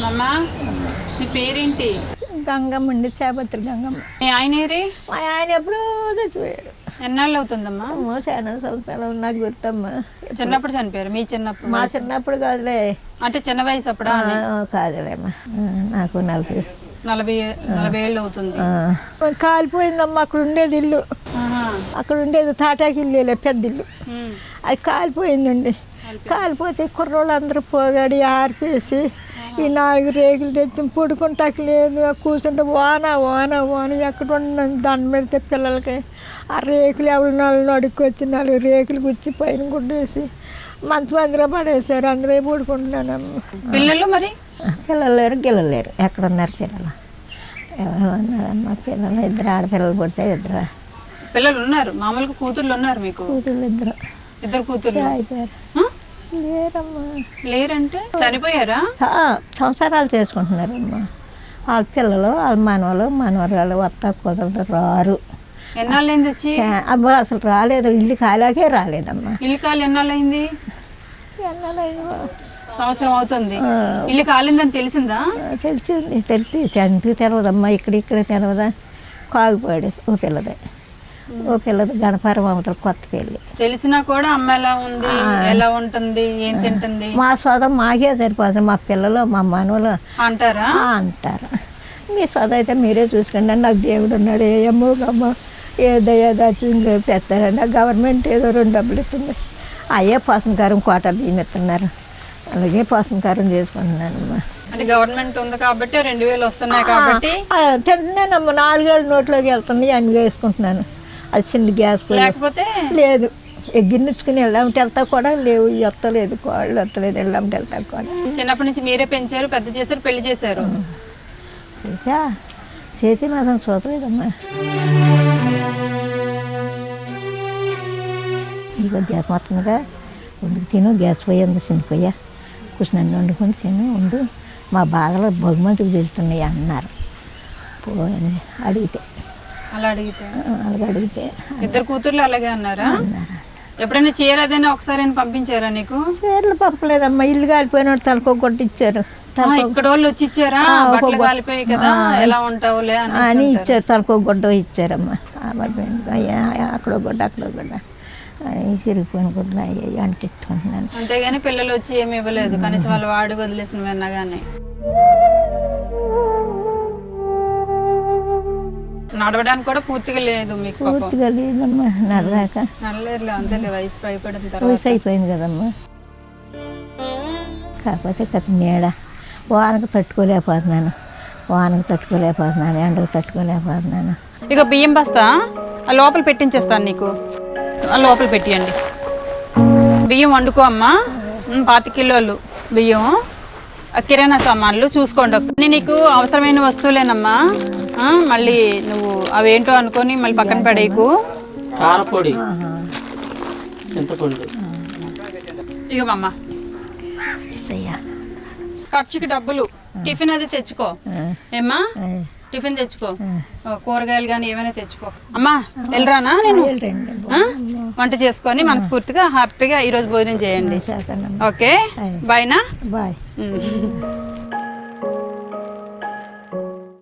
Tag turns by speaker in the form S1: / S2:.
S1: అమ్మా నీ పేరేంటి?
S2: గంగమ్మ అండి, చేపత్రి గంగమ్మ.
S1: మీ ఆయనేరి?
S2: మా ఆయన ఎప్పుడూ చచ్చిపోయాడు.
S1: ఎన్నాళ్ళు అవుతుందమ్మా?
S2: చాలా సంవత్సరాలు నాకు గుర్తమ్మా.
S1: చిన్నప్పుడు చనిపోయారు? మీ చిన్నప్పుడు?
S2: మా చిన్నప్పుడు కాదులే.
S1: అంటే చిన్న వయసు అప్పుడా?
S2: కాదులేమ్మా, నాకు
S1: 40 ఏళ్ళు అవుతుంది.
S2: కాలిపోయిందమ్మా. అక్కడ ఉండేది ఇల్లు, అక్కడ ఉండేది తాటాకి ఇల్లు, పెద్ద ఇల్లు. అది కాలిపోయిందండి. కాలిపోతే కుర్రోళ్ళు అందరూ పోగాడి ఆర్పేసి ఈ 4 రేకులు తెచ్చి పడుకుంటాకి లేదు. కూర్చుంటే వాన వాన వాన ఎక్కడ ఉండి దండం పెడితే పిల్లలకి ఆ రేకులు ఎవరి 4 అడుక్కొచ్చి 4 రేకులు గుచ్చి పైన గుడ్డేసి మంచి మందిలో పడేసారు. అందరూ పడుకుంటున్నానమ్మ.
S1: పిల్లలు మరి?
S2: పిల్లలు లేరు, గిల్లలు లేరు. ఎక్కడున్నారు పిల్లలు? ఎవరు ఉన్నారమ్మా పిల్లలు? 2 ఆడపిల్లలు పుడితే 2
S1: పిల్లలు ఉన్నారు. మామూలుగా కూతుర్లు ఉన్నారు మీకు?
S2: కూతుర్లు
S1: 2 కూతుర్లు
S2: అయిపోయారు. లేరమ్మా.
S1: లేరంటే చనిపోయారా?
S2: సంసారాలు చేసుకుంటున్నారమ్మా. వాళ్ళ పిల్లలు, వాళ్ళ మనవరాలు వస్తా కుదరదు, రారు.
S1: ఎన్నాళ్ళైంది వచ్చి?
S2: అబ్బా అసలు రాలేదు. ఇల్లు కాలాకే రాలేదమ్మా.
S1: ఇల్లు కాలి ఎన్నాళ్ళైంది? సంవత్సరం అవుతుంది. ఇల్లు కాలిందని తెలిసిందా?
S2: తెలిసింది. ఎందుకు తెలవదమ్మా. ఇక్కడ తెలవదా? కాగిపోయాడు ఓ పిల్లదే. ఓ పిల్లది గణపరం అవతల కొత్త పెళ్ళి.
S1: తెలిసినా కూడా అమ్మ ఎలా ఉంది, ఎలా ఉంటుంది, ఏం తింటుంది?
S2: మా సోదం మాకే సరిపోతుంది. మా పిల్లలు మా మనవలు
S1: అంటారా?
S2: అంటారు. మీ సోద అయితే మీరే చూసుకోండి. నాకు దేవుడు ఉన్నాడు. ఏ అమ్మో గమ్మ ఏ దయా దాచి పెడతారండి. గవర్నమెంట్ ఏదో 2 డబ్బులు ఇస్తుంది. అయ్యే పోషణకారం కోటలు బియ్యం ఇస్తున్నారు. అలాగే పోషణకారం చేసుకుంటున్నానమ్మా.
S1: అంటే గవర్నమెంట్ ఉంది కాబట్టి 2000 వస్తున్నాయి కాబట్టి
S2: తింటున్నానమ్మా. 4 ఏళ్ళు నోట్లోకి వెళ్తుంది, అన్ని వేసుకుంటున్నాను. అది చిన్న గ్యాస్
S1: లేకపోతే
S2: లేదు. ఎగ్గిన్నుచ్చుకుని వెళ్ళామంటే వెళ్తా కూడా లేవు. ఎత్తలేదు, కోళ్ళు ఎత్తలేదు. వెళ్ళామంటే వెళ్తా కూడా.
S1: చిన్నప్పటి నుంచి మీరే పెంచారు, పెద్ద చేశారు, పెళ్లి చేశారు.
S2: చేసా చేతి మాత్రం చూడలేదమ్మా. ఇదిగో గ్యాస్ మొత్తంగా వండుకు తిను. గ్యాస్ పోయింది, చిన్నపోయా కూర్చుని వండుకొని తిను ఉండు. మా బాధలు బహుమతికి తెలుస్తున్నాయి అన్నారు. పోని అడిగితే అలాగే అడిగితే
S1: 2 కూతుర్లు అలాగే అన్నారా? ఎప్పుడైనా చీర అదైనా ఒకసారి పంపించారా నీకు?
S2: చీరలు పంపలేదమ్మా. ఇల్లు కాలిపోయిన తలకో కొట్టిచ్చారు.
S1: ఇక్కడ వాళ్ళు వచ్చి ఇచ్చారా? బట్టలు కాలిపోయాయి కదా, ఎలా ఉంటావులే
S2: అని ఇచ్చారు. తలకో గుడ్డ ఇచ్చారమ్మా. అక్కడో గుడ్డ అక్కడో గుడ్డ చిరిగిపోయిన గుడ్డలు అయ్యాయి అంటించుకుంటున్నాను.
S1: అంతేగాని పిల్లలు వచ్చి ఏమి ఇవ్వలేదు, కనీసం వాళ్ళు వాడి వదిలేసినవి అన్నగానే. నడవడానికి కూడా పూర్తిగా లేదు మీకు?
S2: పూర్తిగా లేదమ్మా. నడరాక
S1: నడలేరులే, అంతేలే వయసు పైపడిన తర్వాత.
S2: వయసు అయిపోయింది కదమ్మా. కాకపోతే కథ నీడ. వానకు తట్టుకోలేకపోతున్నాను, ఎండకు తట్టుకోలేకపోతున్నాను.
S1: ఇక బియ్యం బస్తా ఆ లోపల పెట్టించేస్తాను నీకు. ఆ లోపల పెట్టియండి. బియ్యం వండుకో అమ్మా. 25 కిలోలు బియ్యం, కిరాణా సామాన్లు చూసుకోండి ఒకసారి. నేను నీకు అవసరమైన వస్తువులేనమ్మా. మళ్ళీ నువ్వు అవేంటో అనుకొని మళ్ళీ పక్కన పడేయకు.
S3: కారపొడి, చింతపండు.
S1: ఇగమ్మా ఖర్చుకి డబ్బులు. టిఫిన్ అది తెచ్చుకో ఏమ్మా, టిఫిన్ తెచ్చుకో. కూరగాయలు కానీ ఏమైనా తెచ్చుకో అమ్మా. వెళ్ళరానా నేను? వంట చేసుకొని మనస్ఫూర్తిగా హ్యాపీగా ఈరోజు భోజనం చేయండి. ఓకే బాయ్నా?
S2: బాయ్.